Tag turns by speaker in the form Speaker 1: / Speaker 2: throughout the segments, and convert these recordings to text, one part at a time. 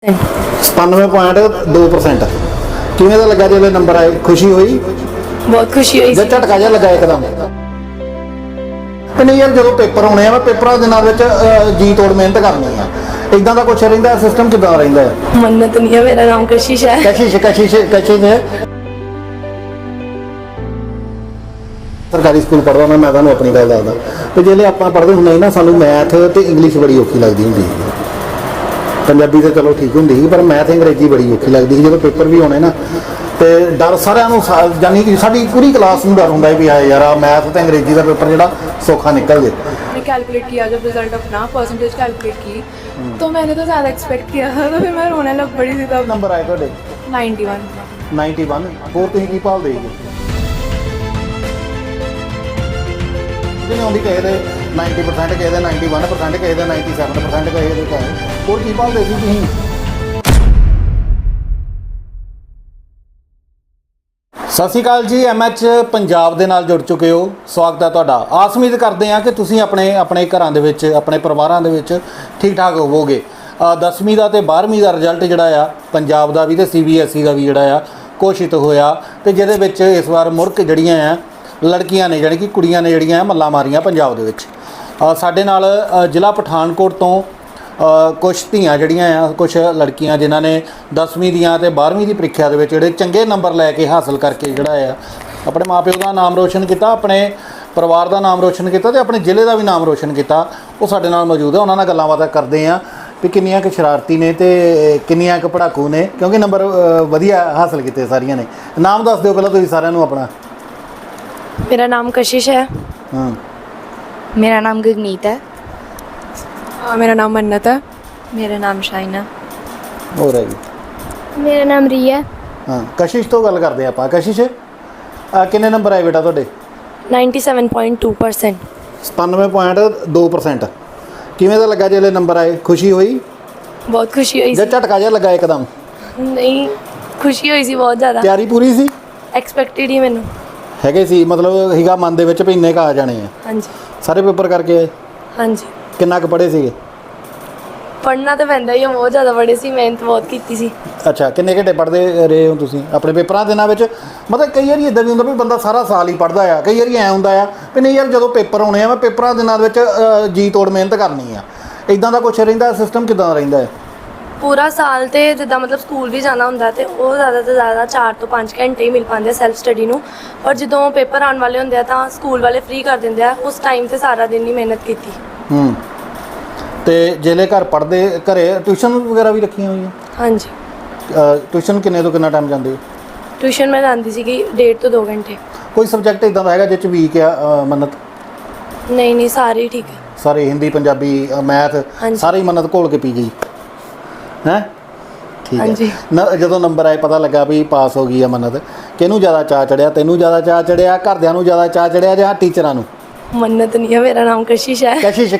Speaker 1: 97.2%। ਕਿਵੇਂ ਦਾ ਲੱਗਾ ਜਦੋਂ ਨੰਬਰ ਆਏ? ਖੁਸ਼ੀ ਹੋਈ?
Speaker 2: ਬਹੁਤ ਖੁਸ਼ੀ ਹੋਈ
Speaker 1: ਜਦ ਝਟਕਾ ਜਿਹਾ ਲੱਗਾ ਇੱਕਦਮ ਕਿ ਨਹੀਂ ਯਾਰ ਜਦੋਂ ਪੇਪਰ ਹੋਣੇ ਆ, ਮੈਂ ਪੇਪਰਾਂ ਦੇ ਨਾਲ ਵਿੱਚ ਜੀ ਤੋੜ ਮਿਹਨਤ ਕਰਨੀ ਆ, ਇਦਾਂ ਦਾ ਕੁਛ ਰਹਿੰਦਾ? ਸਿਸਟਮ ਕਿਦਾਂ ਰਹਿੰਦਾ ਹੈ?
Speaker 2: ਮੰਨਤ ਨਹੀਂ ਹੈ, ਮੇਰਾ ਨਾਮ ਕਸ਼ਿਸ਼ ਹੈ।
Speaker 1: ਕਸ਼ਿਸ਼ ਨੇ ਸਰਕਾਰੀ ਸਕੂਲ ਪੜ੍ਹਦਾ ਮੈਂ ਤੁਹਾਨੂੰ ਆਪਣੀ ਗੱਲ ਦੱਸਦਾ ਤੇ ਜਿਹੜੇ ਆਪਾਂ ਪੜ੍ਹਦੇ ਹੁੰਦੇ ਸੀ ਨਾ, ਸਾਨੂੰ ਮੈਥ ਤੇ ਇੰਗਲਿਸ਼ ਬੜੀ ਔਖੀ ਲੱਗਦੀ ਹੁੰਦੀ ਸੀ। ਪੰਜਾਬੀ ਤਾਂ ਚਲੋ ਠੀਕ ਹੁੰਦੀ ਸੀ, ਪਰ ਮੈਥ ਅੰਗਰੇਜ਼ੀ ਬੜੀ ਔਖੀ ਲੱਗਦੀ ਸੀ। ਜਦੋਂ ਪੇਪਰ ਵੀ ਹੋਣੇ ਨਾ ਤੇ ਡਰ ਸਾਰਿਆਂ ਨੂੰ, ਜਾਨੀ ਕਿ ਸਾਡੀ ਪੂਰੀ ਕਲਾਸ ਨੂੰ ਡਰ ਹੁੰਦਾ ਵੀ ਆ ਯਾਰ ਮੈਥ ਤੇ ਅੰਗਰੇਜ਼ੀ ਦਾ पेपर ਜਿਹੜਾ सौखा निकल जाए।
Speaker 3: मैंने कैलकुलेट किया जब रिजल्ट अपना परसेंटेज कैलकुलेट की तो मैंने तो ज़्यादा एक्सपेक्ट किया था, तो फिर मैं रोने लग पड़ी थी तब।
Speaker 1: नंबर आए ਤੁਹਾਡੇ
Speaker 3: 91
Speaker 1: ਹੋਰ ਤੁਸੀਂ ਕੀ ਭਾਲਦੇ ਸੀ? ਜਿਹਨੇ ਆਉਂਦੀ ਕਹੇ ਦੇ 90%, ਕਹੇ ਦੇ 91%, ਕਹੇ ਦੇ 97%, ਕਹੇ ਦੇ ਕਹੇ ਹੋਰ ਕੀ ਭਾਲਦੇ ਸੀ ਤੁਸੀਂ? ਸਤਿ ਸ਼੍ਰੀ ਅਕਾਲ ਜੀ, MH ਪੰਜਾਬ ਦੇ ਨਾਲ ਜੁੜ ਚੁੱਕੇ ਹੋ। ਸਵਾਗਤ ਹੈ ਤੁਹਾਡਾ। ਆਸ ਉਮੀਦ ਕਰਦੇ ਹਾਂ ਕਿ ਤੁਸੀਂ ਆਪਣੇ ਘਰਾਂ ਦੇ ਵਿੱਚ, ਆਪਣੇ ਪਰਿਵਾਰਾਂ ਦੇ ਵਿੱਚ ਠੀਕ ਠਾਕ ਹੋਵੋਗੇ। 10ਵੀਂ ਦਾ ਤੇ 12ਵੀਂ ਦਾ ਰਿਜ਼ਲਟ ਜਿਹੜਾ ਆ ਪੰਜਾਬ ਦਾ ਵੀ ਤੇ CBSE ਦਾ ਵੀ ਜਿਹੜਾ ਆ ਘੋਸ਼ਿਤ ਹੋਇਆ, ਤੇ ਜਿਹਦੇ ਵਿੱਚ ਇਸ ਵਾਰ ਮੁਰਕ ਜਿਹੜੀਆਂ ਆ ਲੜਕੀਆਂ ਨੇ, ਜਾਣੀ ਕਿ ਕੁੜੀਆਂ ਨੇ ਜਿਹੜੀਆਂ ਮੱਲਾਂ ਮਾਰੀਆਂ ਪੰਜਾਬ ਦੇ ਵਿੱਚ। ਸਾਡੇ ਨਾਲ ਜ਼ਿਲ੍ਹਾ ਪਠਾਨਕੋਟ ਤੋਂ ਕੁਛ ਧੀਆਂ ਜਿਹੜੀਆਂ ਆ, ਕੁਛ ਲੜਕੀਆਂ ਜਿਨ੍ਹਾਂ ਨੇ 10ਵੀਂ ਦੀਆਂ ਤੇ 12ਵੀਂ ਦੀ ਪ੍ਰੀਖਿਆ ਦੇ ਵਿੱਚ ਜਿਹੜੇ ਚੰਗੇ ਨੰਬਰ ਲੈ ਕੇ ਹਾਸਲ ਕਰਕੇ ਜਿਹੜਾ ਆ ਆਪਣੇ ਮਾਪਿਓ ਦਾ ਨਾਮ ਰੋਸ਼ਨ ਕੀਤਾ, ਆਪਣੇ ਪਰਿਵਾਰ ਦਾ ਨਾਮ ਰੋਸ਼ਨ ਕੀਤਾ ਤੇ ਆਪਣੇ ਜ਼ਿਲ੍ਹੇ ਦਾ ਵੀ ਨਾਮ ਰੋਸ਼ਨ ਕੀਤਾ, ਉਹ ਸਾਡੇ ਨਾਲ ਮੌਜੂਦ ਹੈ। ਉਹਨਾਂ ਨਾਲ ਗੱਲਾਂ ਬਾਤਾਂ ਕਰਦੇ ਆ ਵੀ ਕਿੰਨੀਆਂ ਕੁ ਸ਼ਰਾਰਤੀ ਨੇ ਤੇ ਕਿੰਨੀਆਂ ਕੁ ਪੜਾਕੂ ਨੇ, ਕਿਉਂਕਿ ਨੰਬਰ ਵਧੀਆ ਹਾਸਲ ਕੀਤੇ ਸਾਰੀਆਂ ਨੇ। ਨਾਮ ਦੱਸ ਦਿਓ ਪਹਿਲਾਂ ਤੁਸੀਂ ਸਾਰਿਆਂ ਨੂੰ ਆਪਣਾ।
Speaker 2: मेरा नाम कशिश है।
Speaker 1: ਹਾਂ,
Speaker 2: मेरा नाम गगनीत है।
Speaker 3: मेरा नाम मन्नत है।
Speaker 2: मेरा नाम शाइना।
Speaker 1: ਹੋਰ ਹੈ ਜੀ।
Speaker 2: मेरा नाम रिया है।
Speaker 1: ਹਾਂ, ਕਸ਼ਿਸ਼ ਤੋਂ ਗੱਲ ਕਰਦੇ ਆਪਾਂ। ਕਸ਼ਿਸ਼, ਕਿੰਨੇ ਨੰਬਰ ਆਏ ਬੇਟਾ ਤੁਹਾਡੇ?
Speaker 2: 97.2%।
Speaker 1: 97.2%। ਕਿਵੇਂ ਦਾ ਲੱਗਾ ਜਦੋਂ ਨੰਬਰ ਆਏ? ਖੁਸ਼ੀ ਹੋਈ?
Speaker 2: बहुत खुशी हुई
Speaker 1: ਜਦ ਝਟਕਾ ਜਿਹਾ ਲੱਗਾ ਇੱਕਦਮ?
Speaker 2: नहीं, खुशी हुई सी बहुत ज़्यादा।
Speaker 1: ਤਿਆਰੀ ਪੂਰੀ ਸੀ?
Speaker 2: एक्सपेक्टेड ही मैनू।
Speaker 1: ਹੈਗੇ ਸੀ, ਮਤਲਬ ਹੀਗਾ ਮਨ ਦੇ ਵਿੱਚ ਵੀ ਇੰਨੇ ਕੁ ਆ ਜਾਣੇ ਆ।
Speaker 2: हाँ जी,
Speaker 1: ਸਾਰੇ ਪੇਪਰ ਕਰਕੇ ਆਏ?
Speaker 2: हाँ जी।
Speaker 1: ਕਿੰਨਾ ਕੁ ਪੜ੍ਹੇ ਸੀਗੇ?
Speaker 2: पढ़ना तो पैंदा ही है, बहुत ज़्यादा पढ़े सी, मेहनत बहुत की सी।
Speaker 1: ਅੱਛਾ, ਕਿੰਨੇ ਘੰਟੇ ਪੜ੍ਹਦੇ ਰਹੇ ਹੋ ਤੁਸੀਂ ਆਪਣੇ ਪੇਪਰਾਂ ਦੇ ਨਾਲ ਵਿੱਚ? ਮਤਲਬ ਕਈ ਵਾਰੀ ਇਦਾਂ ਵੀ ਹੁੰਦਾ ਵੀ ਬੰਦਾ ਸਾਰਾ ਸਾਲ ਹੀ ਪੜ੍ਹਦਾ ਆ, ਕਈ ਵਾਰੀ ਐਂ ਹੁੰਦਾ ਆ ਵੀ ਨਹੀਂ ਯਾਰ ਜਦੋਂ ਪੇਪਰ ਹੋਣੇ ਆ ਮੈਂ ਪੇਪਰਾਂ ਦੇ ਨਾਲ ਵਿੱਚ ਜੀ ਤੋੜ ਮਿਹਨਤ ਕਰਨੀ ਆ, ਇਦਾਂ ਦਾ ਕੁਛ ਰਹਿੰਦਾ? ਸਿਸਟਮ ਕਿਦਾਂ ਰਹਿੰਦਾ ਹੈ?
Speaker 2: पूरा साल तो जिदा मतलब स्कूल भी जाना होंदा ते ਉਹ ज़्यादा तो ज़्यादा 4 ਤੋਂ 5 ਘੰਟੇ ਹੀ ਮਿਲ ਪਾਉਂਦੇ ਸੈਲਫ ਸਟੱਡੀ ਨੂੰ, ਪਰ ਜਦੋਂ ਪੇਪਰ ਆਉਣ ਵਾਲੇ ਹੁੰਦੇ ਆ ਤਾਂ ਸਕੂਲ ਵਾਲੇ ਫ੍ਰੀ ਕਰ ਦਿੰਦੇ ਆ। ਉਸ ਟਾਈਮ ਤੇ ਸਾਰਾ ਦਿਨ ਹੀ ਮਿਹਨਤ ਕੀਤੀ।
Speaker 1: ਤੇ ਜਿਹੜੇ ਘਰ ਪੜ੍ਹਦੇ, ਘਰੇ ਟਿਊਸ਼ਨ ਵਗੈਰਾ ਵੀ ਰੱਖੀਆਂ ਹੋਈਆਂ?
Speaker 2: ਹਾਂਜੀ,
Speaker 1: ਟਿਊਸ਼ਨ ਕਿੰਨੇ ਤੋਂ ਕਿੰਨਾ ਟਾਈਮ ਜਾਂਦੇ ਹੋ?
Speaker 2: ਟਿਊਸ਼ਨ ਮੈਂ ਜਾਂਦੀ ਸੀਗੀ 1.5 ਤੋਂ 2 ਘੰਟੇ।
Speaker 1: ਕੋਈ ਸਬਜੈਕਟ ਇਦਾਂ ਦਾ ਹੈਗਾ ਜਿਹ 'ਚ ਵੀਕ ਆ ਮੰਨਤ?
Speaker 2: ਨਹੀਂ ਸਾਰੇ ਹੀ ਠੀਕ ਹੈ।
Speaker 1: ਸਾਰੇ ਹਿੰਦੀ, ਪੰਜਾਬੀ, ਮੈਥ
Speaker 2: ਹਾਂਜੀ।
Speaker 1: ਸਾਰੇ ਹੀ ਮੰਨਤ ਘੋਲ ਕੇ ਪੀ ਗਈ ਹੈ? ਠੀਕ ਹੈ।
Speaker 2: ਹਾਂਜੀ।
Speaker 1: ਜਦੋਂ ਨੰਬਰ ਆਏ ਪਤਾ ਲੱਗਾ ਵੀ ਪਾਸ ਹੋ ਗਈ ਆ ਮੰਨਤ, ਕਿਹਨੂੰ ਜ਼ਿਆਦਾ ਚਾਅ ਚੜਿਆ? ਤੈਨੂੰ ਜ਼ਿਆਦਾ ਚਾਅ ਚੜਿਆ, ਘਰਦਿਆਂ ਨੂੰ ਜ਼ਿਆਦਾ ਚਾਅ ਚੜਿਆ, ਜਾਂ ਟੀਚਰਾਂ ਨੂੰ?
Speaker 2: ਮੰਨਤ ਨਹੀਂ ਹੈ, ਮੇਰਾ ਨਾਮ ਕਸ਼ਿਸ਼ ਹੈ।
Speaker 1: ਕਸ਼ਿਸ਼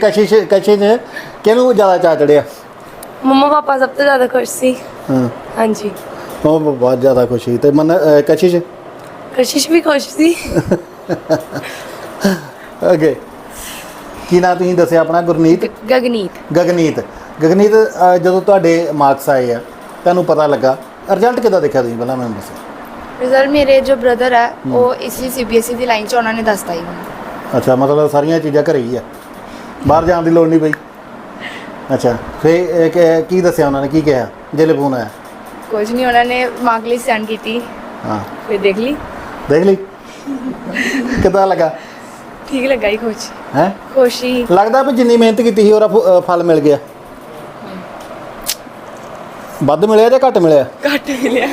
Speaker 1: ਕਿਹਨੂੰ ਜ਼ਿਆਦਾ ਚਾਅ ਚੜਿਆ?
Speaker 2: ਮੰਮਾ ਪਾਪਾ ਸਭ ਤੋਂ ਜ਼ਿਆਦਾ ਖੁਸ਼ ਸੀ।
Speaker 1: ਹਾਂ,
Speaker 2: ਹਾਂਜੀ,
Speaker 1: ਉਹ ਬਹੁਤ ਜ਼ਿਆਦਾ ਖੁਸ਼ੀ। ਤੇ
Speaker 2: ਕਸ਼ਿਸ਼ ਵੀ ਖੁਸ਼ ਸੀ।
Speaker 1: ਓਕੇ, ਕੀ ਨਾਂ ਤੁਸੀਂ ਦੱਸਿਆ ਆਪਣਾ? ਗੁਰਨੀਤ?
Speaker 2: ਗਗਨੀਤ।
Speaker 1: ਗਗਨੀਤ, ਜਦੋਂ ਤੁਹਾਡੇ ਮਾਰਕਸ ਆਏ ਆ ਤੁਹਾਨੂੰ ਪਤਾ ਲੱਗਾ, ਰਿਜ਼ਲਟ ਕਿੱਦਾਂ ਦੇਖਿਆ ਤੁਸੀਂ ਪਹਿਲਾਂ ਮੈਨੂੰ ਦੱਸੋ?
Speaker 4: ਰਿਜ਼ਲਟ ਮੇਰੇ ਜੋ ਬ੍ਰਦਰ ਹੈ ਉਹ ਇਸੀ CBSE ਦੀ ਲਾਈਨ 'ਚ ਉਹਨਾਂ ਨੇ ਦੱਸਤਾ ਹੀ ਮੈਨੂੰ।
Speaker 1: ਅੱਛਾ, ਮਤਲਬ ਸਾਰੀਆਂ ਚੀਜ਼ਾਂ ਘਰੇ ਹੀ ਆ, ਬਾਹਰ ਜਾਣ ਦੀ ਲੋੜ ਨਹੀਂ ਪਈ? ਅੱਛਾ, ਫਿਰ ਕੀ ਦੱਸਿਆ ਉਹਨਾਂ ਨੇ, ਕੀ ਕਿਹਾ ਜਿਹੜੇ ਫੋਨ ਆਇਆ?
Speaker 4: ਕੁਝ ਨਹੀਂ, ਉਹਨਾਂ ਨੇ ਮਾਰਕ ਲਿਸਟ ਸੈਂਡ ਕੀਤੀ।
Speaker 1: ਹਾਂ,
Speaker 4: ਫਿਰ ਦੇਖ ਲਈ
Speaker 1: ਕਿੱਦਾਂ ਲੱਗਾ?
Speaker 4: ਠੀਕ ਲੱਗਾ ਹੀ, ਖੁਸ਼
Speaker 1: ਹੈ?
Speaker 4: ਖੁਸ਼ੀ।
Speaker 1: ਲੱਗਦਾ ਵੀ ਜਿੰਨੀ ਮਿਹਨਤ ਕੀਤੀ ਸੀ ਉਹਦਾ ਫਲ ਮਿਲ ਗਿਆ? ਵੱਧ ਮਿਲਿਆ ਜਾਂ ਘੱਟ ਮਿਲਿਆ?
Speaker 4: ਘੱਟ ਮਿਲਿਆ।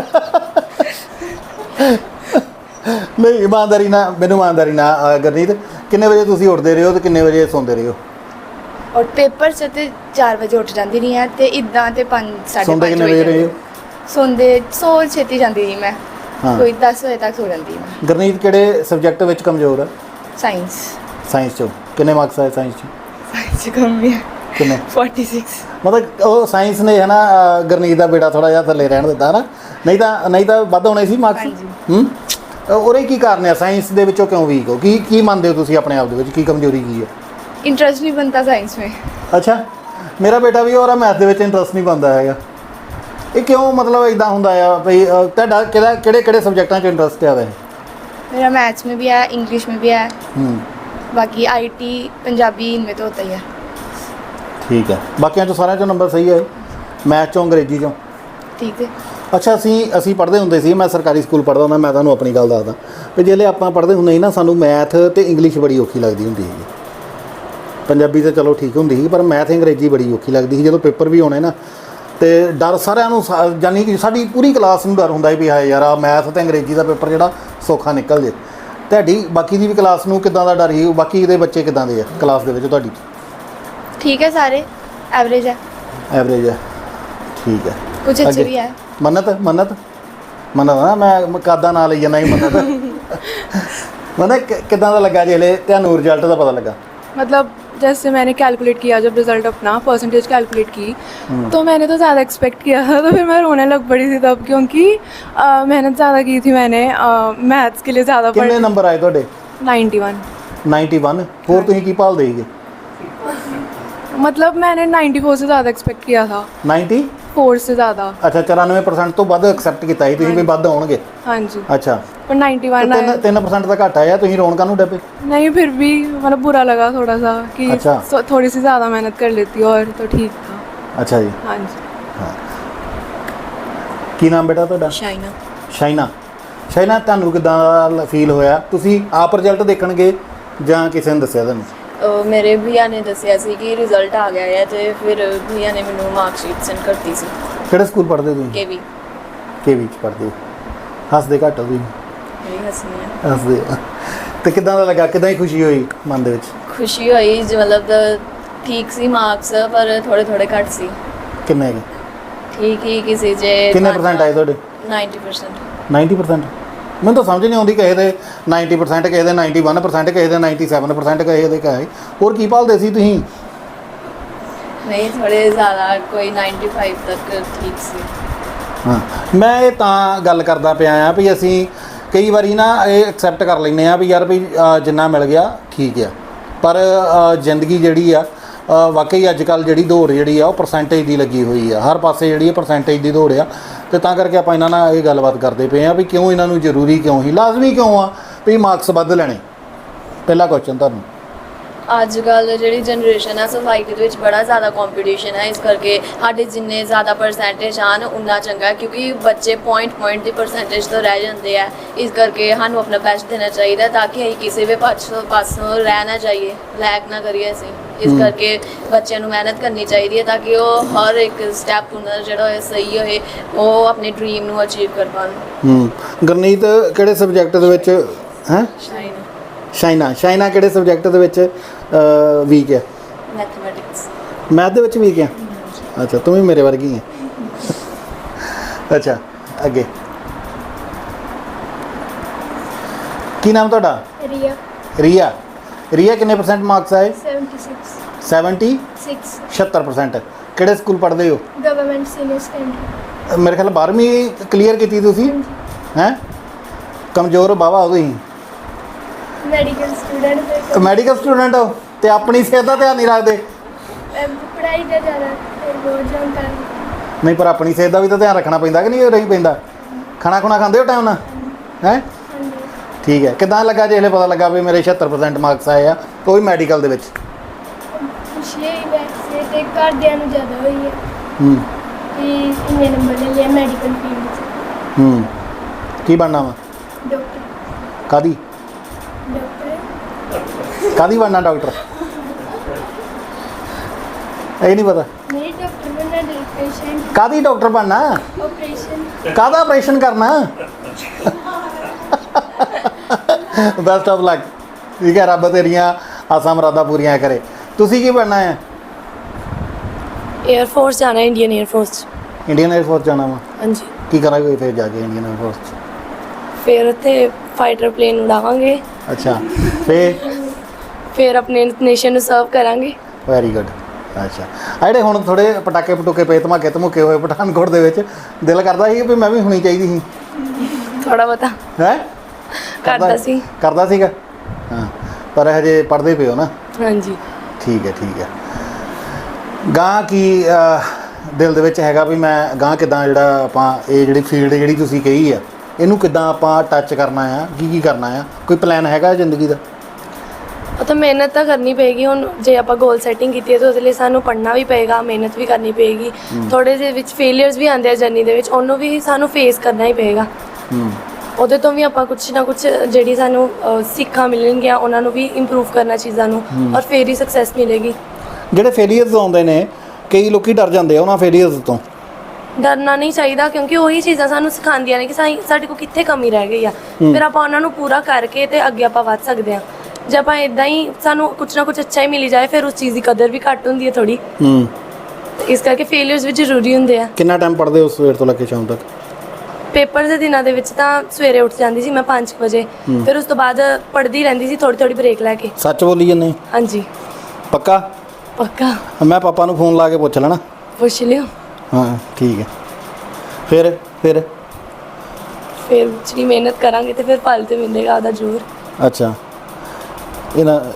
Speaker 1: ਨਹੀਂ, ਇਮਾਨਦਾਰੀ ਨਾਲ ਗੁਰਨੀਤ, ਕਿੰਨੇ ਵਜੇ ਤੁਸੀਂ ਉੱਠਦੇ ਰਹੇ ਹੋ ਤੇ ਕਿੰਨੇ ਵਜੇ ਸੌਂਦੇ ਰਹੇ ਹੋ?
Speaker 4: ਔਰ ਪੇਪਰ 'ਚ ਤੇ 4 ਵਜੇ ਉੱਠ ਜਾਂਦੀ ਨਹੀਂ ਹੈ ਤੇ ਇਦਾਂ ਤੇ 5
Speaker 1: ਸੌਂਦੇ
Speaker 4: 5:30
Speaker 1: ਕਿੰਨੇ ਵਜੇ ਰਹੇ ਹੋ?
Speaker 4: ਸੌ ਛੇਤੀ ਜਾਂਦੀ ਨਹੀਂ ਮੈਂ।
Speaker 1: ਹਾਂ।
Speaker 4: ਕੋਈ 10 ਵਜੇ ਤੱਕ ਸੌ ਜਾਂਦੀ ਮੈਂ।
Speaker 1: ਗੁਰਨੀਤ ਕਿਹੜੇ ਸਬਜੈਕਟ ਵਿੱਚ ਕਮਜ਼ੋਰ ਹੈ?
Speaker 4: ਸਾਇੰਸ
Speaker 1: 'ਚੋਂ ਕਿੰਨੇ ਮਾਰਕਸ ਆਏ ਸਾਇੰਸ 'ਚ?
Speaker 4: 'ਚ ਕਮ ਹੈ।
Speaker 1: ਕਿੰਨੇ?
Speaker 4: 46।
Speaker 1: ਮਤਲਬ ਉਹ ਸਾਇੰਸ ਨੇ ਹੈ ਨਾ ਗੁਰਨੀਤ ਦਾ ਬੇਟਾ ਥੋੜਾ ਜਿਹਾ ਥੱਲੇ ਰਹਿਣ ਦਿੱਤਾ ਨਾ, ਨਹੀਂ ਤਾਂ ਵੱਧ ਹੋਣੇ ਸੀ ਮਾਰਕਸ। ਉਹਦੇ ਕੀ ਕਾਰਨ ਹੈ? ਸਾਇੰਸ ਦੇ ਵਿੱਚੋਂ ਕਿਉਂ ਵੀਕ ਹੋ? ਕੀ ਮੰਨਦੇ ਹੋ ਤੁਸੀਂ ਆਪਣੇ ਆਪ ਦੇ ਵਿੱਚ, ਕੀ ਕਮਜ਼ੋਰੀ ਕੀ ਹੈ?
Speaker 4: इंटरेस्ट नहीं बनता साइंस में।
Speaker 1: अच्छा, मेरा बेटा भी और मैथ के इंटरेस्ट नहीं बनता है। ਇਹ ਕਿਉਂ ਮਤਲਬ ਇਦਾਂ ਹੁੰਦਾ ਆ ਵੀ ਤੁਹਾਡਾ ਕਿਹੜੇ ਸਬਜੈਕਟਾਂ 'ਚ ਇੰਟਰਸਟ ਆ ਵੈਸੇ?
Speaker 4: मेरा मैथ्स में भी है, इंग्लिश में भी है,
Speaker 1: ਹੂੰ
Speaker 4: बाकी आईटी पंजाबी इनमें तो होता ही है।
Speaker 1: ਠੀਕ ਹੈ, ਬਾਕੀਆਂ 'ਚੋਂ ਸਾਰਿਆਂ 'ਚੋਂ ਨੰਬਰ ਸਹੀ ਆਏ, ਮੈਥ 'ਚੋਂ ਅੰਗਰੇਜ਼ੀ 'ਚੋਂ?
Speaker 4: ठीक है।
Speaker 1: ਅੱਛਾ, ਅਸੀਂ ਪੜ੍ਹਦੇ ਹੁੰਦੇ ਸੀ, ਮੈਂ ਸਰਕਾਰੀ ਸਕੂਲ ਪੜ੍ਹਦਾ ਹੁੰਦਾ, ਮੈਂ ਤੁਹਾਨੂੰ ਆਪਣੀ ਗੱਲ ਦੱਸਦਾ ਵੀ ਜਿਹੜੇ ਆਪਾਂ ਪੜ੍ਹਦੇ ਹੁੰਦੇ ਸੀ ਨਾ, ਸਾਨੂੰ ਮੈਥ ਤੇ ਇੰਗਲਿਸ਼ ਬੜੀ ਔਖੀ ਲੱਗਦੀ ਹੁੰਦੀ ਸੀ। ਪੰਜਾਬੀ ਤਾਂ ਚਲੋ ਠੀਕ ਹੁੰਦੀ ਸੀ, ਪਰ ਮੈਥ ਅੰਗਰੇਜ਼ੀ ਬੜੀ ਔਖੀ ਲੱਗਦੀ ਸੀ। ਜਦੋਂ ਪੇਪਰ ਵੀ ਆਉਣੇ ਨਾ ਤੇ ਡਰ ਸਾਰਿਆਂ ਨੂੰ ਜਾਨੀ ਕਿ ਸਾਡੀ ਪੂਰੀ ਕਲਾਸ ਨੂੰ ਡਰ ਹੁੰਦਾ ਸੀ ਵੀ ਹਾਏ ਯਾਰ ਆ ਮੈਥ ਤੇ ਅੰਗਰੇਜ਼ੀ ਦਾ ਪੇਪਰ ਜਿਹੜਾ ਸੌਖਾ ਨਿਕਲ ਜੇ। ਤੁਹਾਡੀ ਬਾਕੀ ਦੀ ਵੀ ਕਲਾਸ ਨੂੰ ਕਿੱਦਾਂ ਦਾ ਡਰ ਸੀ? ਬਾਕੀ ਦੇ ਬੱਚੇ ਕਿੱਦਾਂ ਦੇ ਆ ਕਲਾਸ ਦੇ ਵਿੱਚ ਤੁਹਾਡੀ?
Speaker 4: ठीक है, सारे एवरेज है,
Speaker 1: ਐਵਰੇਜ ਹੈ, ਠੀਕ ਹੈ।
Speaker 4: कुछ अच्छे
Speaker 1: ਅੱਗੇ।
Speaker 4: भी है।
Speaker 1: ਮੰਨਤ ਨਾ, ਮੈਂ ਕਾਦਾ ਨਾਂ ਲਈ ਜਾਂਦਾ ਸੀ ਮੰਨਤ। ਮੰਨਤ ਕਿੱਦਾਂ ਦਾ ਲੱਗਾ ਜਿਹੜੇ ਤੁਹਾਨੂੰ ਰਿਜ਼ਲਟ ਦਾ ਪਤਾ ਲੱਗਾ?
Speaker 3: मतलब जैसे मैंने कैलकुलेट किया, जब रिज़ल्ट अपना परसेंटेज कैलकुलेट की, तो मैंने तो ज़्यादा एक्सपेक्ट किया था, तो फिर मैं रोने लग पड़ी थी तब, क्योंकि मेहनत ज़्यादा की थी मैंने, मैथ्स के लिए ज़्यादा
Speaker 1: ਕਿੰਨੇ ਨੰਬਰ ਆਏ ਤੁਹਾਡੇ?
Speaker 3: 91।
Speaker 1: 91। ਹੋਰ ਤੁਸੀਂ ਕੀ ਭਾਲਦੇ ਸੀਗੇ?
Speaker 3: मतलब मैंने 94 से ज़्यादा एक्सपेक्ट किया था,
Speaker 1: 94
Speaker 3: से ज़्यादा।
Speaker 1: ਅੱਛਾ, 94% ਤੋਂ ਵੱਧ ਐਕਸੈਪਟ ਕੀਤਾ ਸੀ ਤੁਸੀਂ ਵੀ ਵੱਧ ਆਉਣਗੇ?
Speaker 3: हाँ जी,
Speaker 1: ਅੱਛਾ,
Speaker 3: पर 91 आया।
Speaker 1: 3% ਦਾ ਘੱਟ ਆਇਆ, ਤੁਸੀਂ ਰੋਣ ਕਾਹਨੂੰ ਡੱਪੇ?
Speaker 3: नहीं, फिर भी मतलब बुरा लगा थोड़ा सा कि
Speaker 1: अच्छा।
Speaker 3: थोड़ी सी ज़्यादा मेहनत कर लेती और तो ठीक था।
Speaker 1: ਅੱਛਾ ਜੀ,
Speaker 3: हाँ जी।
Speaker 1: ਹਾਂ। ਕੀ ਨਾਮ ਬੇਟਾ ਤੁਹਾਡਾ?
Speaker 3: शाइना।
Speaker 1: ਸ਼ਾਇਨਾ ਤੁਹਾਨੂੰ ਕਿੱਦਾਂ ਫੀਲ ਹੋਇਆ? ਤੁਸੀਂ ਆਪ ਰਿਜ਼ਲਟ ਦੇਖਣ ਗਏ ਜਾਂ ਕਿਸੇ ਨੇ ਦੱਸਿਆ ਤੁਹਾਨੂੰ?
Speaker 5: ਮੇਰੇ ਭਈਆ ਨੇ ਦੱਸਿਆ ਸੀ ਕਿ ਰਿਜ਼ਲਟ ਆ ਗਿਆ ਹੈ, ਤੇ ਫਿਰ ਭਈਆ ਨੇ ਮੈਨੂੰ ਮਾਰਕਸ਼ੀਟ ਸੈਂਡ ਕਰਤੀ ਸੀ।
Speaker 1: ਕਿਹੜੇ ਸਕੂਲ ਪੜ੍ਹਦੇ ਹੋ ਤੁਸੀਂ?
Speaker 5: ਕੇਵੀ।
Speaker 1: ਕੇਵੀ 'ਚ ਪੜ੍ਹਦੇ ਹੋ। ਹੱਸਦੇ ਘੱਟ ਹੋ ਤੁਸੀਂ?
Speaker 5: ਮੇਰੀ ਹੱਸਣੀ ਹੈ।
Speaker 1: ਹੱਸਦੇ ਆ। ਤੇ ਕਿੱਦਾਂ ਦਾ ਲੱਗਾ, ਕਿੱਦਾਂ ਦੀ ਖੁਸ਼ੀ ਹੋਈ ਮਨ ਦੇ ਵਿੱਚ?
Speaker 5: ਖੁਸ਼ੀ ਹੋਈ ਜੀ, ਮਤਲਬ ਠੀਕ ਸੀ ਮਾਰਕਸ, ਪਰ ਥੋੜੇ ਘੱਟ ਸੀ।
Speaker 1: ਕਿੰਨੇ ਹੈਗੇ?
Speaker 5: ਠੀਕ ਹੀ ਕਿਸੇ ਜੇ
Speaker 1: ਕਿੰਨੇ % ਆਏ ਤੁਹਾਡੇ?
Speaker 5: 90%।
Speaker 1: 90%? ਮੈਨੂੰ ਤਾਂ ਸਮਝ ਨਹੀਂ ਆਉਂਦੀ, ਕਿਸੇ ਦੇ 90%, ਕਿਸੇ ਦੇ 91%, ਕਿਸੇ ਦੇ 97%, ਕਿਸੇ ਦੇ ਕਹੇ। ਹੋਰ ਕੀ ਭਾਲਦੇ ਸੀ ਤੁਸੀਂ?
Speaker 5: ਨਹੀਂ, ਥੋੜੇ ਜ਼ਿਆਦਾ, ਕੋਈ 95 ਤੱਕ ਠੀਕ ਸੀ।
Speaker 1: ਹਾਂ, ਮੈਂ ਇਹ ਤਾਂ ਗੱਲ ਕਰਦਾ ਪਿਆ ਆ ਵੀ ਅਸੀਂ ਕਈ ਵਾਰੀ ਨਾ ਇਹ ਐਕਸੈਪਟ ਕਰ ਲੈਂਦੇ ਆ ਵੀ ਯਾਰ ਵੀ ਜਿੰਨਾ ਮਿਲ ਗਿਆ ਠੀਕ ਆ, ਪਰ ਜ਼ਿੰਦਗੀ ਜਿਹੜੀ ਆ ਵਾਕਈ ਅੱਜ ਕੱਲ੍ਹ ਜਿਹੜੀ ਦੌੜ ਜਿਹੜੀ ਆ ਉਹ ਪਰਸੈਂਟੇਜ ਦੀ ਲੱਗੀ ਹੋਈ ਆ। ਹਰ ਪਾਸੇ ਜਿਹੜੀ ਪਰਸੈਂਟੇਜ ਦੀ ਦੌੜ ਆ, ਤੇ ਤਾਂ ਕਰਕੇ ਆਪਾਂ ਇਹਨਾਂ ਨਾਲ ਇਹ ਗੱਲਬਾਤ ਕਰਦੇ ਪਏ ਆ ਵੀ ਕਿਉਂ ਇਹਨਾਂ ਨੂੰ ਜ਼ਰੂਰੀ ਕਿਉਂ ਹੀ ਲਾਜ਼ਮੀ ਕਿਉਂ ਆ ਵੀ ਮਾਰਕਸ ਵੱਧ ਲੈਣੇ? ਪਹਿਲਾ ਕੁਐਸਚਨ ਤੁਹਾਨੂੰ।
Speaker 5: ਅੱਜ ਕੱਲ੍ਹ ਜਿਹੜੀ ਜਨਰੇਸ਼ਨ ਹੈ, ਸੋਸਾਇਟੀ ਦੇ ਵਿੱਚ ਬੜਾ ਜ਼ਿਆਦਾ ਕੰਪੀਟੀਸ਼ਨ ਹੈ, ਇਸ ਕਰਕੇ ਸਾਡੇ ਜਿੰਨੇ ਜ਼ਿਆਦਾ ਪਰਸੈਂਟੇਜ ਆਉਣ ਉਨਾ ਚੰਗਾ ਹੈ, ਕਿਉਂਕਿ ਬੱਚੇ ਪੁਆਇੰਟ ਦੀ ਪਰਸੈਂਟੇਜ ਤੋਂ ਰਹਿ ਜਾਂਦੇ ਆ। ਇਸ ਕਰਕੇ ਸਾਨੂੰ ਆਪਣਾ ਬੈਸਟ ਦੇਣਾ ਚਾਹੀਦਾ ਤਾਂ ਕਿ ਅਸੀਂ ਕਿਸੇ ਵੀ ਪਾਸੋਂ ਰਹਿ ਨਾ ਜਾਈਏ, ਲੈਕ ਨਾ ਕਰੀਏ ਅਸੀਂ। ਇਸ ਕਰਕੇ ਬੱਚਿਆਂ ਨੂੰ ਮਿਹਨਤ ਕਰਨੀ ਚਾਹੀਦੀ ਹੈ ਤਾਂ ਕਿ ਉਹ ਹਰ ਇੱਕ ਸਟੈਪ ਉਹਨਾਂ ਦਾ ਜਿਹੜਾ ਹੋਏ ਸਹੀ ਹੋਏ, ਉਹ ਆਪਣੇ ਡ੍ਰੀਮ ਨੂੰ ਅਚੀਵ ਕਰ ਪਾਉਣ।
Speaker 1: ਗੁਰਨੀਤ ਕਿਹੜੇ ਸਬਜੈਕਟ ਦੇ ਵਿੱਚ ਹੈ? ਸ਼ਾਇਨਾ ਕਿਹੜੇ ਸਬਜੈਕਟ ਦੇ ਵਿੱਚ ਵੀਕ ਹੈ?
Speaker 5: ਮੈਥਮੈਟਿਕਸ।
Speaker 1: ਮੈਥ ਦੇ ਵਿੱਚ ਵੀਕ ਹੈ? ਅੱਛਾ, ਤੂੰ ਵੀ ਮੇਰੇ ਵਰਗੀ ਹੈ। ਅੱਛਾ, ਅੱਗੇ ਕੀ ਨਾਮ ਤੁਹਾਡਾ? ਰੀਆ ਕਿੰਨੇ % ਮਾਰਕਸ ਆਏ? 76। 76%। ਕਿਹੜੇ ਸਕੂਲ ਪੜ੍ਹਦੇ ਹੋ?
Speaker 6: Government senior secondary.
Speaker 1: ਮੇਰੇ ਖਿਆਲ 12ਵੀਂ ਕਲੀਅਰ ਕੀਤੀ ਤੁਸੀਂ ਹੈ? ਕਮਜ਼ੋਰ ਬਾਵਾ ਹੋ ਤੁਸੀਂ। ਮੈਡੀਕਲ ਸਟੂਡੈਂਟ ਹੋ ਤੇ ਆਪਣੀ ਸਿਹਤ ਦਾ ਧਿਆਨ ਨਹੀਂ ਰੱਖਦੇ?
Speaker 6: ਪੜ੍ਹਾਈ ਦਾ ਜ਼ਿਆਦਾ ਬਹੁਤ ਜਾਣਕਾਰੀ।
Speaker 1: ਨਹੀਂ, ਪਰ ਆਪਣੀ ਸਿਹਤ ਦਾ ਵੀ ਤਾਂ ਧਿਆਨ ਰੱਖਣਾ ਪੈਂਦਾ ਕਿ ਨਹੀਂ ਰਹੀ ਪੈਂਦਾ? ਖਾਣਾ ਖਾਂਦੇ ਹੋ ਟਾਈਮ ਨਾਲ ਹੈ? ਠੀਕ ਹੈ। ਕਿੱਦਾਂ ਲੱਗਾ ਜਿਹੜੇ ਪਤਾ ਲੱਗਾ ਵੀ ਮੇਰੇ 76% ਮਾਰਕਸ ਆਏ ਆ, ਉਹ ਵੀ ਮੈਡੀਕਲ ਦੇ ਵਿੱਚ?
Speaker 6: ਖੁਸ਼ੀ ਹੋਈ ਵੈਸੇ ਤੇ ਘਰਦਿਆਂ ਨੂੰ ਜ਼ਿਆਦਾ ਹੋਈ ਹੈ ਕਿ ਇੰਨੇ ਨੰਬਰ ਲੈ ਲਿਆ ਮੈਡੀਕਲ ਫੀਲਡ 'ਚ।
Speaker 1: ਕੀ ਬਣਨਾ ਵਾ?
Speaker 6: ਡਾਕਟਰ।
Speaker 1: ਕਾਦੀ ਬਣਨਾ? ਡਾਕਟਰ? ਇਹ ਨਹੀਂ ਪਤਾ?
Speaker 6: ਨਹੀਂ, ਡਾਕਟਰ ਬਣਨਾ ਦੇ ਪੇਸ਼ੈਂਟ।
Speaker 1: ਕਾਦੀ ਡਾਕਟਰ ਬਣਨਾ?
Speaker 6: ਆਪਰੇਸ਼ਨ।
Speaker 1: ਕਾਹਦਾ ਆਪਰੇਸ਼ਨ ਕਰਨਾ? Best of luck. ਠੀਕ ਹੈ, ਰੱਬ ਤੇਰੀਆਂ ਆਸਾਂ ਮੁਰਾਦਾਂ ਪੂਰੀਆਂ ਕਰੇ। ਤੁਸੀਂ ਕੀ ਬਣਨਾ ਹੈ?
Speaker 2: 에ਅਰ ਫੋਰਸ ਜਾਣਾ, Indian air force.
Speaker 1: Indian air force ਜਾਣਾ ਵਾ?
Speaker 2: ਹਾਂਜੀ।
Speaker 1: ਕੀ ਕਰਾਂਗੇ ਫਿਰ ਜਾ ਕੇ ਇੰਡੀਅਨ 에ਅਰ ਫੋਰਸ 'ਚ?
Speaker 2: ਫਿਰ ਉੱਥੇ ਫਾਈਟਰ ਪਲੇਨ ਉਡਾਵਾਂਗੇ।
Speaker 1: ਅੱਛਾ,
Speaker 2: ਫਿਰ ਆਪਣੇ ਨੇਸ਼ਨ ਨੂੰ ਸਰਵ ਕਰਾਂਗੇ।
Speaker 1: Very good. ਅੱਛਾ, ਆ ਜਿਹੜੇ ਹੁਣ ਥੋੜੇ ਪਟਾਕੇ ਪਏ ਧਮਾਕੇ ਹੋਏ ਪਠਾਨਕੋਟ ਦੇ ਵਿੱਚ, ਦਿਲ ਕਰਦਾ ਸੀ ਵੀ ਮੈਂ ਵੀ ਹੋਣੀ ਚਾਹੀਦੀ ਸੀ?
Speaker 2: ਥੋੜਾ ਬਹੁਤਾ
Speaker 1: ਹੈ
Speaker 2: ਕਰਦਾ
Speaker 1: ਸੀਗਾ। ਹਾਂ, ਪਰ ਹਜੇ ਪੜ੍ਹਦੇ ਪਏ ਹੋ ਨਾ?
Speaker 2: ਹਾਂਜੀ।
Speaker 1: ਠੀਕ ਹੈ। ਗਾਂ ਕੀ ਦਿਲ ਦੇ ਵਿੱਚ ਹੈਗਾ ਵੀ ਮੈਂ ਗਾਂ ਕਿੱਦਾਂ ਜਿਹੜਾ ਆਪਾਂ ਇਹ ਜਿਹੜੀ ਫੀਲਡ ਜਿਹੜੀ ਤੁਸੀਂ ਕਹੀ ਆ ਇਹਨੂੰ ਕਿੱਦਾਂ ਆਪਾਂ ਟੱਚ ਕਰਨਾ ਆ, ਕੀ ਕਰਨਾ ਆ, ਕੋਈ ਪਲਾਨ ਹੈਗਾ ਜ਼ਿੰਦਗੀ ਦਾ?
Speaker 2: ਉਹ ਤਾਂ ਮਿਹਨਤ ਤਾਂ ਕਰਨੀ ਪਏਗੀ। ਹੁਣ ਜੇ ਆਪਾਂ ਗੋਲ ਸੈਟਿੰਗ ਕੀਤੀ ਹੈ ਤਾਂ ਉਹਦੇ ਲਈ ਸਾਨੂੰ ਪੜ੍ਹਨਾ ਵੀ ਪਏਗਾ, ਮਿਹਨਤ ਵੀ ਕਰਨੀ ਪਏਗੀ। ਥੋੜੇ ਜਿਹੇ ਵਿੱਚ ਫੇਲੀਅਰਸ ਵੀ ਆਉਂਦੇ ਆ ਜਰਨੀ ਦੇ ਵਿੱਚ, ਉਹਨੂੰ ਵੀ ਸਾਨੂੰ ਫੇਸ ਕਰਨਾ ਹੀ ਪਏਗਾ। ਉਹਦੇ ਤੋਂ ਵੀ ਆਪਾਂ ਕੁਛ ਨਾ ਕੁਛ ਜਿਹੜੀ ਸਾਨੂੰ ਸਿੱਖਾਂ ਮਿਲਣਗੀਆਂ ਉਹਨਾਂ ਨੂੰ ਵੀ ਇੰਪਰੂਵ ਕਰਨਾ ਚੀਜ਼ਾਂ ਨੂੰ, ਔਰ ਫੇਰ ਹੀ ਸਕਸੈਸ ਮਿਲੇਗੀ।
Speaker 1: ਜਿਹੜੇ ਫੇਲੀਅਰਸ ਆਉਂਦੇ ਨੇ ਕਈ ਲੋਕੀ ਡਰ ਜਾਂਦੇ ਆ ਉਹਨਾਂ ਫੇਲੀਅਰਸ ਤੋਂ।
Speaker 2: ਡਰਨਾ ਨਹੀਂ ਚਾਹੀਦਾ ਕਿਉਂਕਿ ਉਹੀ ਚੀਜ਼ਾਂ ਸਾਨੂੰ ਸਿਖਾਉਂਦੀਆਂ ਨੇ ਕਿ ਸਾਡੇ ਕੋਲ ਕਿੱਥੇ ਕਮੀ ਰਹਿ ਗਈ ਆ, ਫਿਰ ਆਪਾਂ ਉਹਨਾਂ ਨੂੰ ਪੂਰਾ ਕਰਕੇ ਤੇ ਅੱਗੇ ਆਪਾਂ ਵੱਧ ਸਕਦੇ ਹਾਂ। ਜੇ ਆਪਾਂ ਇਦਾਂ ਹੀ ਸਾਨੂੰ ਕੁਛ ਨਾ ਕੁਛ ਅੱਛਾ ਹੀ ਮਿਲੀ ਜਾਏ ਫਿਰ ਉਸ ਚੀਜ਼ ਦੀ ਕਦਰ ਵੀ ਘੱਟ ਹੁੰਦੀ ਹੈ ਥੋੜੀ। ਇਸ ਕਰਕੇ ਫੇਲੀਅਰਸ ਵੀ ਜ਼ਰੂਰੀ ਹੁੰਦੇ ਆ।
Speaker 1: ਕਿੰਨਾ ਟਾਈਮ ਪੜ੍ਹਦੇ ਹੋ ਸਵੇਰ ਤੋਂ ਲੈ ਕੇ ਸ਼ਾਮ ਤੱਕ?
Speaker 2: ਪੇਪਰ ਦੇ ਦਿਨਾਂ ਦੇ ਵਿੱਚ ਤਾਂ ਸਵੇਰੇ ਉੱਠ ਜਾਂਦੀ ਸੀ ਮੈਂ 5 ਵਜੇ, ਫਿਰ ਉਸ ਤੋਂ ਬਾਅਦ ਪੜ੍ਹਦੀ ਰਹਿੰਦੀ ਸੀ ਥੋੜੀ ਬ੍ਰੇਕ ਲੈ ਕੇ।
Speaker 1: ਸੱਚ ਬੋਲੀ ਜੰਨੇ?
Speaker 2: ਹਾਂਜੀ
Speaker 1: ਪੱਕਾ?
Speaker 2: ਪੱਕਾ।
Speaker 1: ਮੈਂ ਪਾਪਾ ਨੂੰ ਫੋਨ ਲਾ ਕੇ ਪੁੱਛ ਲੈਣਾ।
Speaker 2: ਪੁੱਛ ਲਿਓ।
Speaker 1: ਹਾਂ ਠੀਕ ਹੈ। ਫਿਰ
Speaker 2: ਜਿਹੜੀ ਮਿਹਨਤ ਕਰਾਂਗੇ ਤੇ ਫਿਰ ਫਲ ਤੇ ਮਿਲੇਗਾ ਉਹਦਾ ਜ਼ਰੂਰ।
Speaker 1: ਅੱਛਾ ਇਹ ਨਾ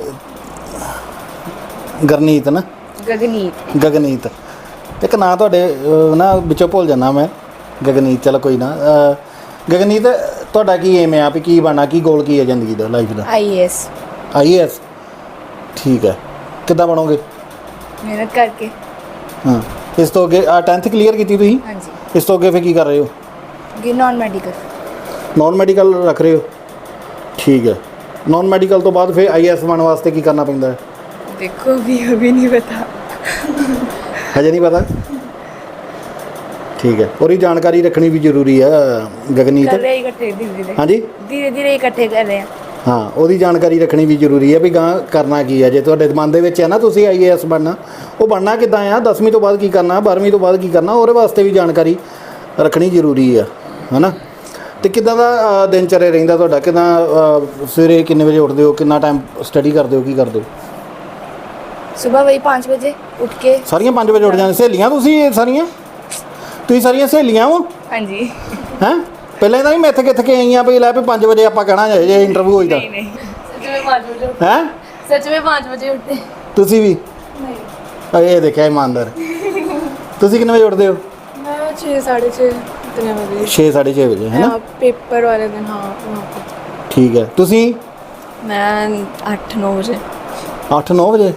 Speaker 1: ਗਰਨੀਤ ਨਾ? ਗਗਨੀਤ ਇੱਕ ਨਾਂ ਤੁਹਾਡੇ ਨਾ ਵਿੱਚੋਂ ਭੁੱਲ ਜਾਂਦਾ ਮੈਂ। ਗਗਨੀਤ ਚਲੋ ਕੋਈ ਨਾ। ਗਗਨੀਤ ਤੁਹਾਡਾ ਕੀ ਏਮ ਆ ਵੀ ਕੀ ਬਣਨਾ, ਕੀ ਗੋਲ ਕੀ ਹੈ ਜ਼ਿੰਦਗੀ ਦਾ, ਲਾਈਫ ਦਾ? IAS। ਠੀਕ ਹੈ। ਕਿੱਦਾਂ ਬਣੋਗੇ?
Speaker 4: ਮਿਹਨਤ ਕਰਕੇ।
Speaker 1: ਹਾਂ ਇਸ ਤੋਂ ਅੱਗੇ 10th ਕਲੀਅਰ ਕੀਤੀ ਤੁਸੀਂ?
Speaker 4: ਹਾਂਜੀ।
Speaker 1: ਇਸ ਤੋਂ ਅੱਗੇ ਫਿਰ ਕੀ ਕਰ ਰਹੇ ਹੋ?
Speaker 4: ਅੱਗੇ ਨਾਨ ਮੈਡੀਕਲ।
Speaker 1: ਨਾਨ ਮੈਡੀਕਲ ਰੱਖ ਰਹੇ ਹੋ? ਠੀਕ ਹੈ। ਨਾਨ ਮੈਡੀਕਲ ਤੋਂ ਬਾਅਦ ਫਿਰ IAS ਬਣਨ ਵਾਸਤੇ ਕੀ ਕਰਨਾ ਪੈਂਦਾ ਹੈ?
Speaker 4: ਦੇਖੋ ਅभी नहीं पता।
Speaker 1: ਹਜੇ ਨਹੀਂ ਪਤਾ? ਠੀਕ ਹੈ। ਉਹਦੀ ਜਾਣਕਾਰੀ ਰੱਖਣੀ ਵੀ ਜ਼ਰੂਰੀ ਹੈ ਗਗਨੀਤ।
Speaker 4: कर रहे हैं इकट्ठे धीरे
Speaker 1: ਹਾਂਜੀ
Speaker 4: धीरे इकट्ठे कर रहे हैं।
Speaker 1: ਹਾਂ ਉਹਦੀ ਜਾਣਕਾਰੀ ਰੱਖਣੀ ਵੀ ਜ਼ਰੂਰੀ ਹੈ ਵੀ ਗਾਂ ਕਰਨਾ ਕੀ ਹੈ। ਜੇ ਤੁਹਾਡੇ ਮਨ ਦੇ ਵਿੱਚ ਹੈ ਨਾ ਤੁਸੀਂ IAS ਬਣਨਾ, ਉਹ ਬਣਨਾ ਕਿੱਦਾਂ ਆ, 10ਵੀਂ ਤੋਂ ਬਾਅਦ ਕੀ ਕਰਨਾ, 12ਵੀਂ ਤੋਂ ਬਾਅਦ ਕੀ ਕਰਨਾ, ਉਹਦੇ ਵਾਸਤੇ ਵੀ ਜਾਣਕਾਰੀ ਰੱਖਣੀ ਜ਼ਰੂਰੀ ਆ, ਹੈ ਨਾ? ਅਤੇ ਕਿੱਦਾਂ ਦਾ ਦਿਨਚਰਿਆ ਰਹਿੰਦਾ ਤੁਹਾਡਾ? ਕਿੱਦਾਂ ਸਵੇਰੇ ਕਿੰਨੇ ਵਜੇ ਉੱਠਦੇ ਹੋ, ਕਿੰਨਾ ਟਾਈਮ ਸਟੱਡੀ ਕਰਦੇ ਹੋ, ਕੀ ਕਰਦੇ ਹੋ?
Speaker 4: सुबह वही 5 बजे उठ के।
Speaker 1: ਸਾਰੀਆਂ 5 ਵਜੇ ਉੱਠ ਜਾਂਦੇ? ਸਹੇਲੀਆਂ ਤੁਸੀਂ ਸਾਰੀਆਂ ਸਹੇਲੀਆਂ ਹੋ?
Speaker 4: हाँ जी।
Speaker 1: ਹੈਂ ਪਹਿਲਾਂ ਤਾਂ ਨਹੀਂ ਮੈਂ ਇੱਥੇ ਕੇ ਆਈਆਂ ਵੀ ਲੈ ਵੀ 5 ਵਜੇ ਆਪਾਂ ਕਹਿਣਾ ਜੇ ਇੰਟਰਵਿਊ ਹੋਈਦਾ?
Speaker 2: सच में 5 बजे
Speaker 1: ਹੈਂ
Speaker 2: सच में 5 बजे उठते।
Speaker 1: ਤੁਸੀਂ ਵੀ? ਇਹ ਦੇਖਿਆ ਇਮਾਨਦਾਰ। ਤੁਸੀਂ ਕਿੰਨੇ ਵਜੇ ਉੱਠਦੇ ਹੋ?
Speaker 3: मैं 6 साढ़े 6 इतने बजे।
Speaker 1: 6 ਸਾਢੇ 6 ਵਜੇ ਹੈ ਨਾ?
Speaker 3: पेपर वाले दिन हाँ वहाँ पे।
Speaker 1: ਠੀਕ ਹੈ। ਤੁਸੀਂ?
Speaker 5: ਮੈਂ 8-9 ਵਜੇ।
Speaker 1: 8-9 ਵਜੇ?